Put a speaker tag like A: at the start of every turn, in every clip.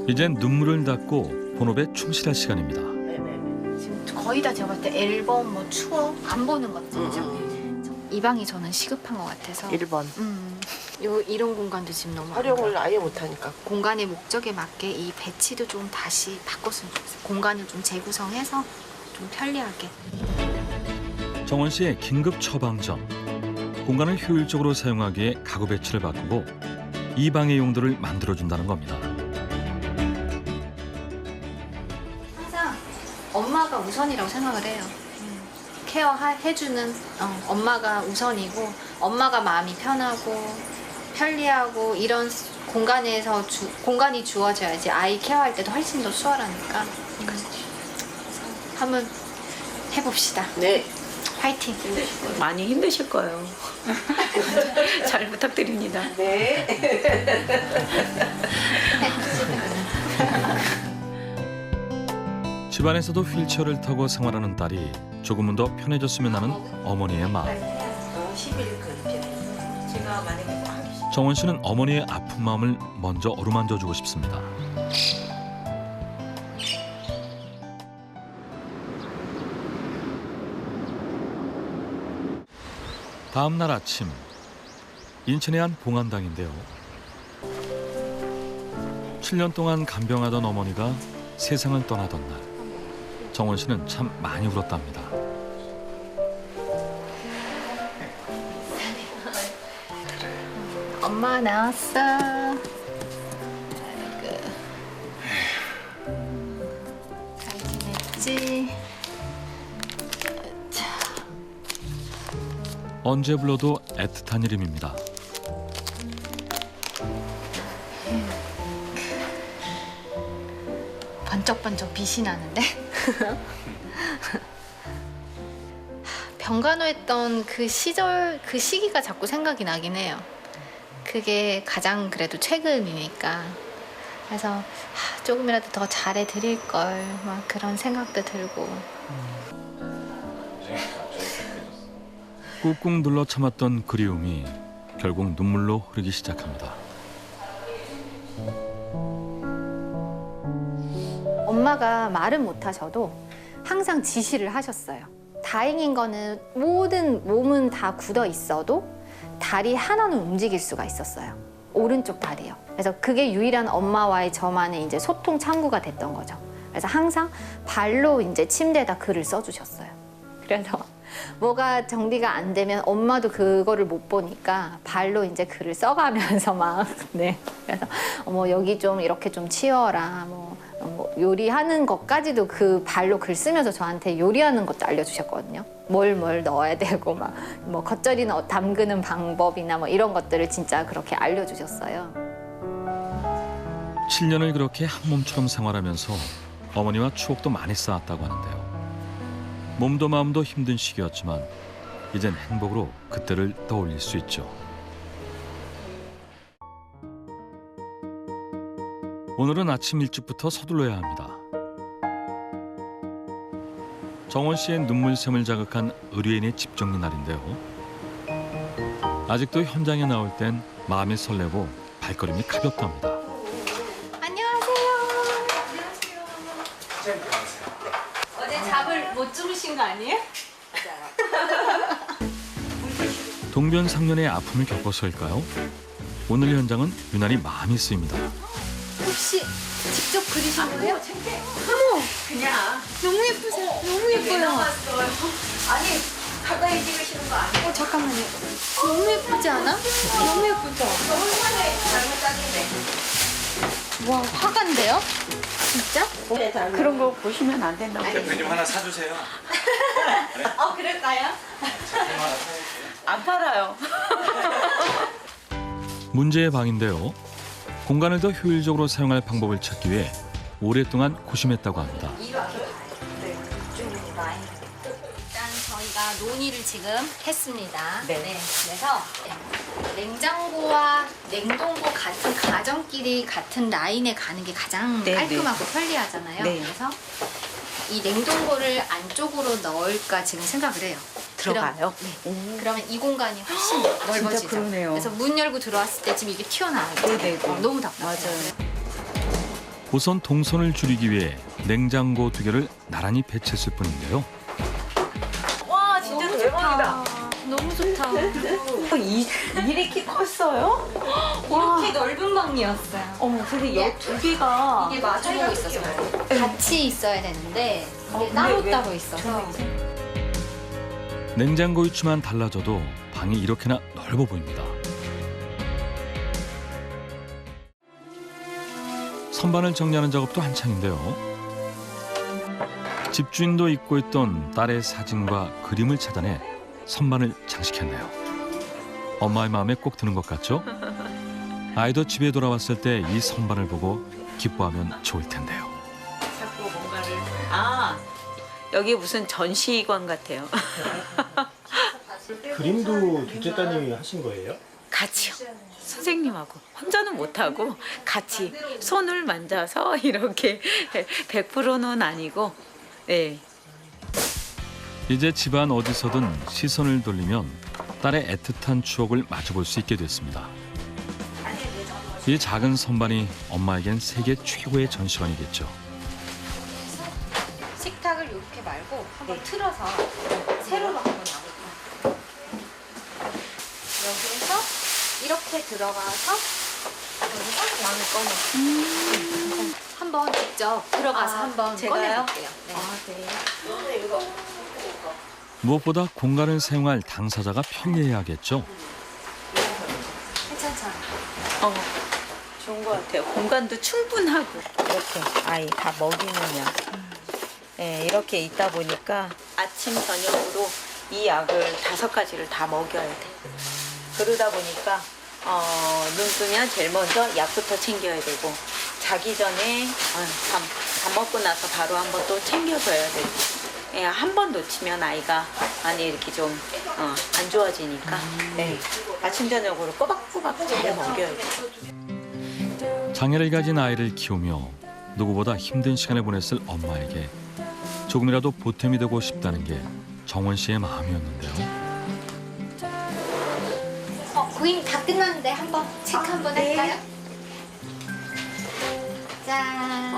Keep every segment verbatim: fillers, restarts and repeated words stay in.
A: 이젠 눈물을 닦고 본업에 충실할 시간입니다.
B: 네네네.
C: 지금 거의 다 제가 봤을 때 앨범, 뭐 추억 안 보는 것들이죠.
B: 음.
C: 이 방이 저는 시급한 것 같아서.
B: 일 번.
C: 음, 요 이런 공간도 지금 너무 안
B: 활용을
C: 좋아요.
B: 아예 못하니까.
C: 공간의 목적에 맞게 이 배치도 좀 다시 바꿨으면 좋겠어요. 공간을 좀 재구성해서 좀 편리하게.
A: 정원 씨의 긴급 처방전. 공간을 효율적으로 사용하기에 가구 배치를 바꾸고 이 방의 용도를 만들어준다는 겁니다.
C: 항상 엄마가 우선이라고 생각을 해요. 케어해주는 어, 엄마가 우선이고 엄마가 마음이 편하고 편리하고 이런 공간에서 주, 공간이 주어져야지 아이 케어할 때도 훨씬 더 수월하니까 음, 그래서 한번 해봅시다.
B: 네.
C: 화이팅!
D: 많이 힘드실 거예요. 잘 부탁드립니다.
B: 네.
A: 집안에서도 휠체어를 타고 생활하는 딸이 조금은 더 편해졌으면 하는 어머니의 마음.
B: 십 일 그렇게. 제가 만약에 하기 싫
A: 정원 씨는 어머니의 아픈 마음을 먼저 어루만져 주고 싶습니다. 다음 날 아침, 인천의 한 봉안당인데요. 칠 년 동안 간병하던 어머니가 세상을 떠나던 날, 정원 씨는 참 많이 울었답니다.
C: 엄마 나왔어. 아이고. 잘 지냈지?
A: 언제 불러도 애틋한 이름입니다.
C: 번쩍번쩍 빛이 나는데? 병간호했던 그 시절, 그 시기가 자꾸 생각이 나긴 해요. 그게 가장 그래도 최근이니까. 그래서 하, 조금이라도 더 잘해드릴 걸, 막 그런 생각도 들고.
A: 꾹꾹 눌러 참았던 그리움이 결국 눈물로 흐르기 시작합니다.
C: 엄마가 말은 못하셔도 항상 지시를 하셨어요. 다행인 거는 모든 몸은 다 굳어 있어도 다리 하나는 움직일 수가 있었어요. 오른쪽 다리요. 그래서 그게 유일한 엄마와의 저만의 이제 소통 창구가 됐던 거죠. 그래서 항상 발로 이제 침대에다 글을 써주셨어요. 그래서 뭐가 정리가 안 되면 엄마도 그거를 못 보니까 발로 이제 글을 써가면서 막, 네. 그래서 뭐 여기 좀 이렇게 좀 치워라. 뭐, 뭐 요리하는 것까지도 그 발로 글 쓰면서 저한테 요리하는 것도 알려주셨거든요. 뭘 뭘 넣어야 되고 막 뭐 겉절이는 담그는 방법이나 뭐 이런 것들을 진짜 그렇게 알려주셨어요.
A: 칠 년을 그렇게 한 몸처럼 생활하면서 어머니와 추억도 많이 쌓았다고 하는데요. 몸도 마음도 힘든 시기였지만 이젠 행복으로 그때를 떠올릴 수 있죠. 오늘은 아침 일찍부터 서둘러야 합니다. 정원 씨의 눈물샘을 자극한 의뢰인의 집 정리 날인데요. 아직도 현장에 나올 땐 마음이 설레고 발걸음이 가볍답니다.
C: 안녕하세요. 어제 잠을 못 주무신 거 아니에요?
A: 동변상련의 아픔을 겪어서일까요? 오늘 현장은 유난히 마음이 쓰입니다.
C: 혹시 직접 그리신 거예요?
D: 그냥
C: 너무 예쁘세요. 너무 예뻐요.
D: 아니 가까이 찍으시는 거 아니에요?
C: 어, 잠깐만요. 너무 예쁘지 않아? 너무 예쁘죠?
D: 얼마나 잘못 딱인데.
C: 와, 화가인데요? 진짜?
D: 그런 거 보시면 안 된다고.
E: 대표님 하나 사주세요.
C: 어, 그럴까요?
D: 안 팔아요.
A: 문제의 방인데요. 공간을 더 효율적으로 사용할 방법을 찾기 위해 오랫동안 고심했다고 합니다.
C: 이렇게 봐요. 네. 이쪽으로 라인. 일단 저희가 논의를 지금 했습니다.
D: 네.
C: 그래서 냉장고와 냉동고 같은 가정끼리 같은 라인에 가는 게 가장
D: 네,
C: 깔끔하고 편리하잖아요.
D: 네.
C: 그래서 이 냉동고를 안쪽으로 넣을까 지금 생각을 해요.
D: 들어가요?
C: 그럼, 네. 그러면 이 공간이 훨씬 넓어지죠.
D: 그러네요.
C: 그래서 문 열고 들어왔을 때 지금 이게 튀어나와요.
D: 네네네.
C: 어, 너무 답답해요.
D: 맞아요.
A: 우선 동선을 줄이기 위해 냉장고 두 개를 나란히 배치했을 뿐인데요.
D: 와 진짜 대박이다.
C: 너무 좋다.
D: 이, 이렇게 컸어요? 와.
C: 이렇게 넓은 방이었어요.
D: 어머 근데 여 두 개가
C: 이게 마주보고 있었어요. 같이 있어야 되는데 이게
D: 어, 근데
C: 따로
D: 왜
C: 따로 있어서.
A: 냉장고 위치만 달라져도 방이 이렇게나 넓어 보입니다. 선반을 정리하는 작업도 한창인데요. 집주인도 잊고 있던 딸의 사진과 그림을 찾아내 선반을 장식했네요. 엄마의 마음에 꼭 드는 것 같죠? 아이도 집에 돌아왔을 때 이 선반을 보고 기뻐하면 좋을 텐데요.
D: 자꾸 뭔가를 아 여기 무슨 전시관 같아요.
E: 그림도 둘째 따님이 하신 거예요?
D: 같이요. 선생님하고 혼자는 못하고 같이 손을 만져서 이렇게 백 퍼센트는 아니고 네.
A: 이제 집안 어디서든 시선을 돌리면 딸의 애틋한 추억을 마주볼 수 있게 됐습니다. 이 작은 선반이 엄마에겐 세계 최고의 전시관이겠죠.
C: 식탁을 이렇게 말고 한번 틀어서 세로로 한번 나볼게요. 여기에서 이렇게 들어가서 여기서 왕을 꺼내. 한번 직접 들어가서
D: 아,
C: 한번
D: 제가요?
C: 꺼내볼게요. 네.
D: 아, 네.
A: 무엇보다 공간을 사용할 당사자가 편리해야겠죠.
C: 괜찮잖아.
D: 어, 좋은 것 같아요. 공간도 충분하고 이렇게 아이 다 먹이느냐. 네, 이렇게 있다 보니까 아침 저녁으로 이 약을 다섯 가지를 다 먹여야 돼. 그러다 보니까 어, 눈 뜨면 제일 먼저 약부터 챙겨야 되고 자기 전에 어, 밥, 밥 먹고 나서 바로 한번 또 챙겨줘야 되고 예, 한 번 놓치면 아이가 많이 이렇게 좀 어, 안 좋아지니까 네, 아침 저녁으로 꼬박꼬박 잘 먹여야 돼.
A: 장애를 가진 아이를 키우며 누구보다 힘든 시간을 보냈을 엄마에게 조금이라도 보탬이 되고 싶다는 게 정원 씨의 마음이었는데요.
C: 어, 고객님 다 끝났는데 한번 체크 한번
D: 네.
C: 할까요? 짠.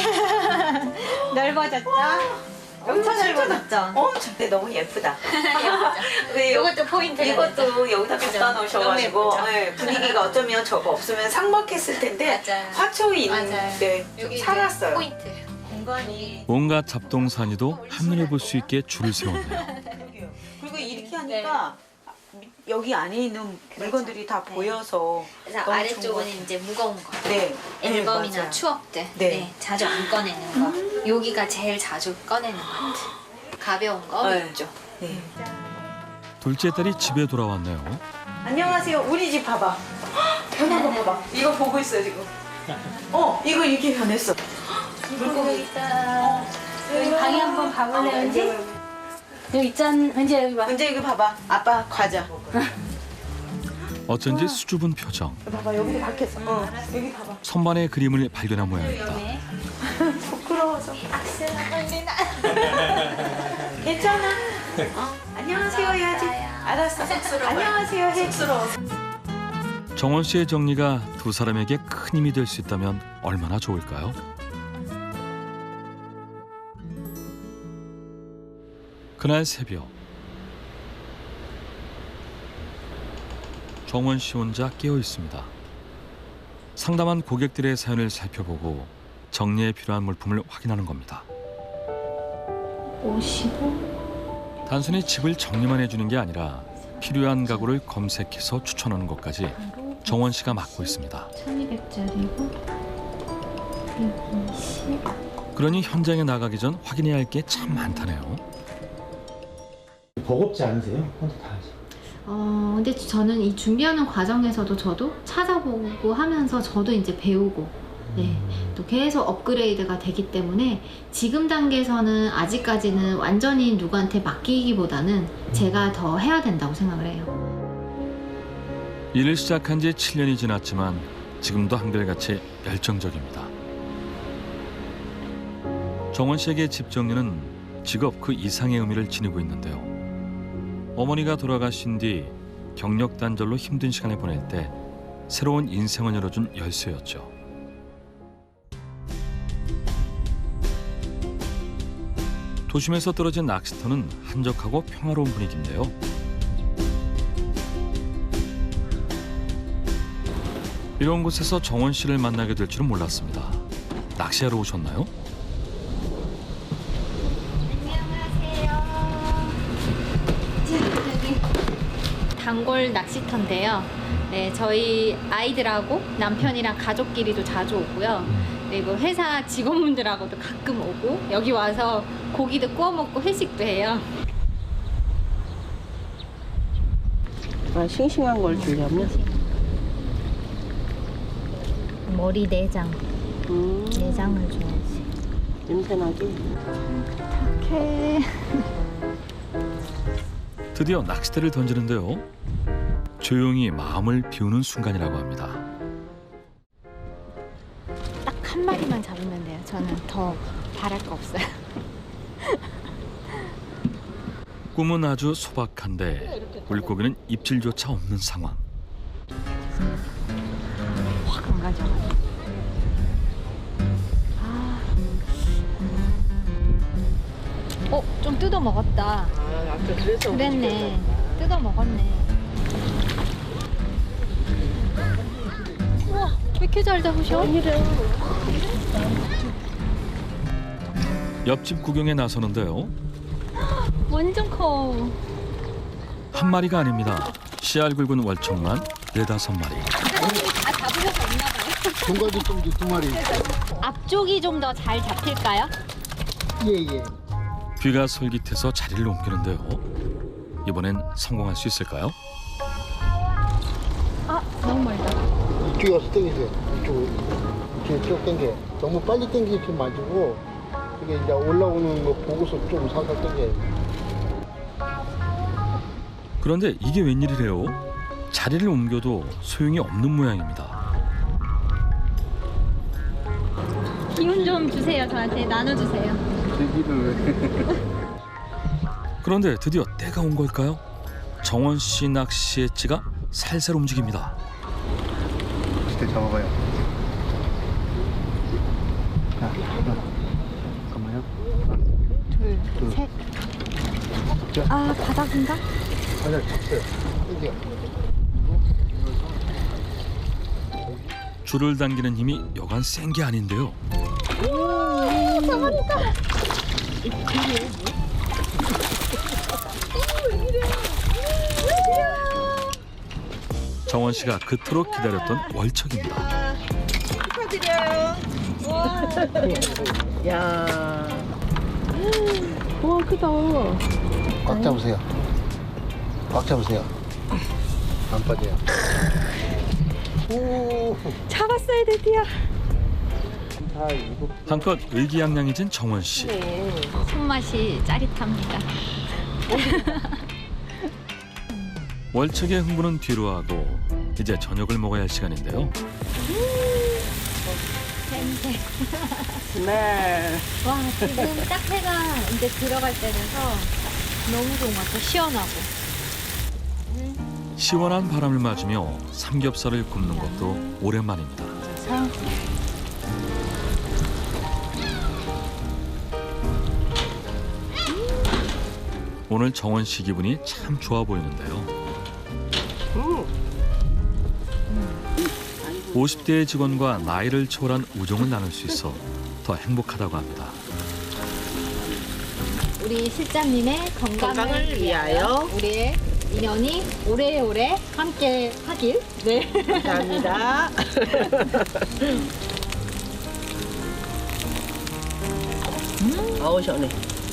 C: 넓어졌죠?
D: 엄청 넓어졌죠? 어, 근데 너무 예쁘다. 네,
C: 이것도 포인트.
D: 이것도 여기다 갖다 놓으셔가지고
C: 너무 예쁘죠?
D: 네, 분위기가 어쩌면 저거 없으면 삭막했을 텐데
C: 맞아요.
D: 화초이
C: 맞아요.
D: 있는데 좀
C: 여기
D: 살았어요.
C: 포인트.
D: 공간이
A: 온갖 잡동사니도 한눈에 볼 수 있게 줄을 세웠네요.
D: 그리고 이렇게 하니까 여기 안에 있는 물건들이 다
C: 네.
D: 보여서
C: 그래서
D: 너무 좋은 것
C: 아래쪽은
D: 같아요.
C: 이제 무거운 거.
D: 네,
C: 앨범이나
D: 네, 맞아요.
C: 추억들.
D: 네.
C: 네. 자주 안 꺼내는 거. 여기가 제일 자주 꺼내는 것 같아. 가벼운 거
D: 네.
C: 있죠.
D: 네.
A: 둘째 딸이 집에 돌아왔네요.
D: 안녕하세요. 우리 집 봐봐. 변한 거 봐봐. 이거 보고 있어 지금. 어, 이거 이렇게 변했어. 물고기
F: 있다. 여기 방에 한번 가볼래, 은지? 여기 있잖, 은지 여기 봐.
D: 은재 이거 봐봐. 아빠 과자.
A: 어쩐지 수줍은 표정.
D: 봐봐 여기도 박혔어. 어, 여기 봐봐.
A: 선반의 그림을 발견한 모양입니다.
D: 부끄러워서. 괜찮아. 어, 안녕하세요 해야지. 알았어. 안녕하세요 해.
A: 정원 씨의 정리가 두 사람에게 큰 힘이 될 수 있다면 얼마나 좋을까요? 그날 새벽 정원 씨 혼자 깨어 있습니다. 상담한 고객들의 사연을 살펴보고 정리에 필요한 물품을 확인하는 겁니다.
F: 오십오?
A: 단순히 집을 정리만 해주는 게 아니라 필요한 가구를 검색해서 추천하는 것까지 정원 씨가 맡고 있습니다.
F: 천이백짜리고 백이십.
A: 그러니 현장에 나가기 전 확인해야 할 게 참 많다네요.
E: 버겁지 않으세요? 혼자 다 하시.
G: 어, 근데 저는 이 준비하는 과정에서도 저도 찾아보고 하면서 저도 이제 배우고, 네, 또 계속 업그레이드가 되기 때문에 지금 단계에서는 아직까지는 완전히 누구한테 맡기기보다는 제가 더 해야 된다고 생각을 해요.
A: 일을 시작한 지 칠 년이 지났지만 지금도 한결같이 열정적입니다. 정원 씨에게 집 정리는 직업 그 이상의 의미를 지니고 있는데요. 어머니가 돌아가신 뒤 경력 단절로 힘든 시간을 보낼 때 새로운 인생을 열어준 열쇠였죠. 도심에서 떨어진 낚시터는 한적하고 평화로운 분위기인데요. 이런 곳에서 정원 씨를 만나게 될 줄은 몰랐습니다. 낚시하러 오셨나요?
G: 단골 낚시터인데요. 네, 저희 아이들하고 남편이랑 가족끼리도 자주 오고요. 그리고 회사 직원분들하고도 가끔 오고 여기 와서 고기도 구워 먹고 회식도 해요.
H: 아, 싱싱한 걸 주려면?
G: 머리 내장,
H: 음,
G: 내장을 줘야지.
H: 냄새나게.
G: 이렇게.
A: 드디어 낚싯대를 던지는데요. 조용히 마음을 비우는 순간이라고 합니다.
G: 딱 한 마리만 잡으면 돼요. 저는 더 바랄 거 없어요.
A: 꿈은 아주 소박한데 물고기는 입질조차 없는 상황.
G: 확 안 가져가요. 아. 어, 좀 뜯어 먹었다.
H: 아, 아까 그래서.
G: 그랬네. 뜯어 먹었네. 우와, 왜 이렇게 잘 잡으셔?
A: 옆집 구경에 나서는데요.
G: 완전 커.
A: 한 마리가 아닙니다. 씨알 굵은 월척만 네다섯 마리.
G: 아, 잡으셔서 있나 봐요.
I: 종가도 좀 두 마리.
G: 앞쪽이 좀 더 잘 잡힐까요?
I: 예예.
A: 귀가 솔깃해서 자리를 옮기는데요. 이번엔 성공할 수 있을까요?
G: 아, 너무 멀다.
I: 이쪽에 와서 당기세요. 이쪽으로. 이렇게 쭉 당겨. 너무 빨리 당기지 마시고 이게 이제 올라오는 거 보고서 좀 살살 당겨요.
A: 그런데 이게 웬일이래요? 자리를 옮겨도 소용이 없는 모양입니다.
G: 기운 좀 주세요. 저한테 나눠주세요.
A: 그런데 드디어 때가 온 걸까요? 정원 씨 낚시의 찌가 살살 움직입니다.
I: 진짜 잡아봐요. 자, 잠깐만요.
G: 둘,
I: 둘.
G: 셋.
I: 자.
G: 아, 바닥인가?
I: 아니야, 잡어요. 당겨.
A: 줄을 당기는 힘이 여간 센 게 아닌데요. 정원 씨가 그토록 기다렸던 월척입니다.
D: 축하드려요.
H: 야. 와, 크다.
I: 꽉 잡으세요. 꽉 잡으세요. 안 빠져요. 오.
G: 잡았어요, 드디어.
I: 자, 이거
A: 한껏 의기양양해진 정원 씨.
G: 손맛이 짜릿합니다.
A: 월척의 흥분은 뒤로 하고 이제 저녁을 먹어야 할 시간인데요.
G: 냄새.
H: 네.
G: 와, 지금 딱 해가 이제 들어갈 때라서 너무 좋은 것 같아. 시원하고.
A: 시원한 바람을 맞으며 삼겹살을 굽는 것도 오랜만입니다. 오늘 정원 씨 기분이 참 좋아 보이는데요. 오십 대의 직원과 나이를 초월한 우정을 나눌 수 있어 더 행복하다고 합니다.
G: 우리 실장님의 건강을,
H: 건강을 위하여
G: 우리의 인연이 오래오래 함께 하길. 네.
H: 감사합니다. 음. 어우, 시원해.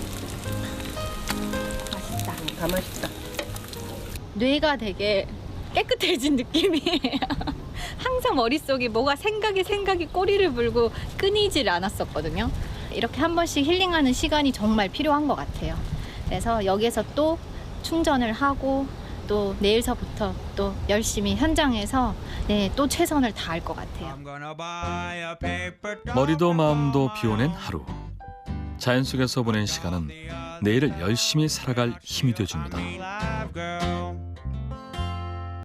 G: 맛있다.
H: 다 맛있다.
G: 뇌가 되게 깨끗해진 느낌이에요. 항상 머릿속이 뭐가 생각이 생각이 꼬리를 물고 끊이질 않았었거든요. 이렇게 한 번씩 힐링하는 시간이 정말 필요한 것 같아요. 그래서 여기에서 또 충전을 하고 또 내일서부터 또 열심히 현장에서 네, 또 최선을 다할 것 같아요.
A: 머리도 마음도 비워낸 하루. 자연 속에서 보낸 시간은 내일을 열심히 살아갈 힘이 되어줍니다.